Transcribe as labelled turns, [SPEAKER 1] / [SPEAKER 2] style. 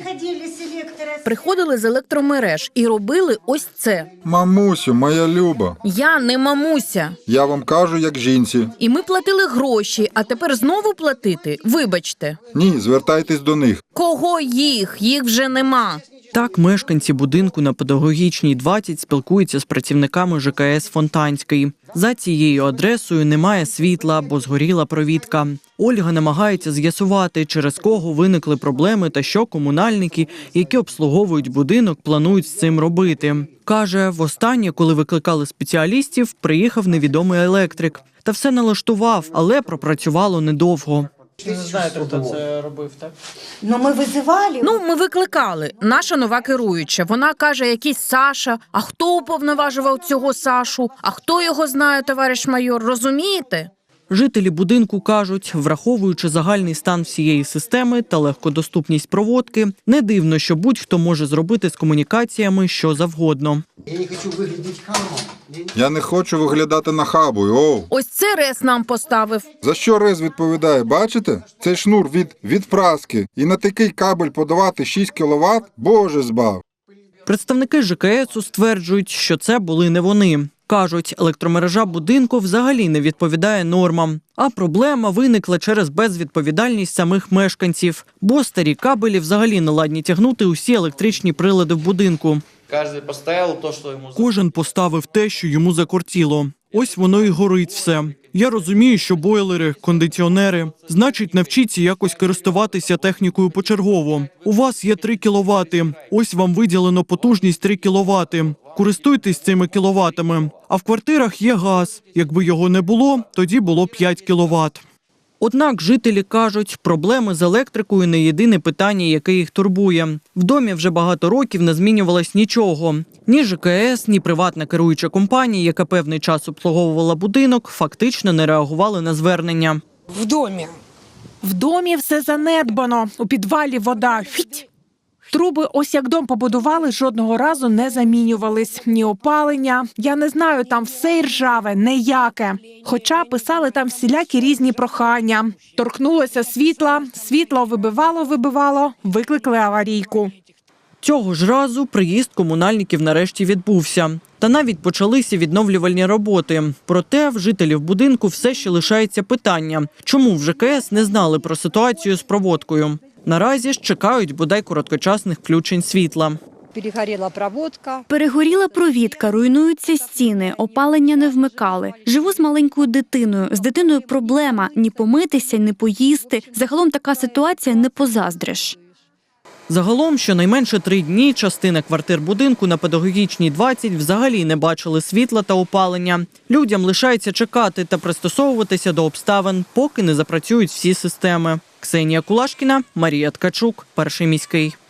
[SPEAKER 1] Приходили з електромереж і робили ось це.
[SPEAKER 2] Мамусю, моя люба.
[SPEAKER 1] Я не мамуся.
[SPEAKER 2] Я вам кажу, як жінці.
[SPEAKER 1] І ми платили гроші, а тепер знову платити? Вибачте.
[SPEAKER 2] Ні, звертайтесь до них.
[SPEAKER 1] Кого їх? Їх вже нема.
[SPEAKER 3] Так мешканці будинку на Педагогічній 20 спілкуються з працівниками ЖКС Фонтанський. За цією адресою немає світла, бо згоріла провідка. Ольга намагається з'ясувати, через кого виникли проблеми та що комунальники, які обслуговують будинок, планують з цим робити. Каже, востаннє, коли викликали спеціалістів, приїхав невідомий електрик. Та все налаштував, але пропрацювало недовго.
[SPEAKER 4] Ви не знаєте, хто це робив, так?
[SPEAKER 1] Ми викликали. Наша нова керуюча. Вона каже, якийсь Саша. А хто уповноважував цього Сашу? А хто його знає, товариш майор? Розумієте?
[SPEAKER 3] Жителі будинку кажуть, враховуючи загальний стан всієї системи та легкодоступність проводки, не дивно, що будь-хто може зробити з комунікаціями що завгодно.
[SPEAKER 2] Я не хочу виглядати нахабою, оу.
[SPEAKER 1] Ось це РЕС нам поставив.
[SPEAKER 2] За що РЕС відповідає, бачите? Цей шнур від праски. І на такий кабель подавати 6 кВт? Боже збав.
[SPEAKER 3] Представники ЖКСу стверджують, що це були не вони. Кажуть, електромережа будинку взагалі не відповідає нормам. А проблема виникла через безвідповідальність самих мешканців, бо старі кабелі взагалі не ладні тягнути усі електричні прилади в будинку. Кожен поставив те, що йому закортіло. Ось воно і горить все. Я розумію, що бойлери, кондиціонери. Значить, навчіться якось користуватися технікою почергово. У вас є 3 кВт. Ось вам виділено потужність 3 кВт. Користуйтесь цими кіловатами. А в квартирах є газ. Якби його не було, тоді було 5 кВт. Однак жителі кажуть, проблеми з електрикою не єдине питання, яке їх турбує. В домі вже багато років не змінювалось нічого. Ні ЖКС, ні приватна керуюча компанія, яка певний час обслуговувала будинок, фактично не реагували на звернення.
[SPEAKER 5] В домі все занедбано. У підвалі вода. Фіть. Труби, ось як дом побудували, жодного разу не замінювались. Ні опалення. Я не знаю, там все ржаве, ніяке. Хоча писали там всілякі різні прохання. Торкнулося світла, світло вибивало, викликали аварійку.
[SPEAKER 3] Цього ж разу приїзд комунальників нарешті відбувся. Та навіть почалися відновлювальні роботи. Проте в жителів будинку все ще лишається питання, чому в ЖКС не знали про ситуацію з проводкою. Наразі ж чекають бодай короткочасних включень світла.
[SPEAKER 6] Перегоріла провідка, руйнуються стіни, опалення не вмикали. Живу з маленькою дитиною. З дитиною проблема – ні помитися, ні поїсти. Загалом така ситуація не позаздриш.
[SPEAKER 3] Загалом, щонайменше 3 дні частина квартир будинку на Педагогічній 20 взагалі не бачили світла та опалення. Людям лишається чекати та пристосовуватися до обставин, поки не запрацюють всі системи. Ксенія Кулашкіна, Марія Ткачук, Перший міський.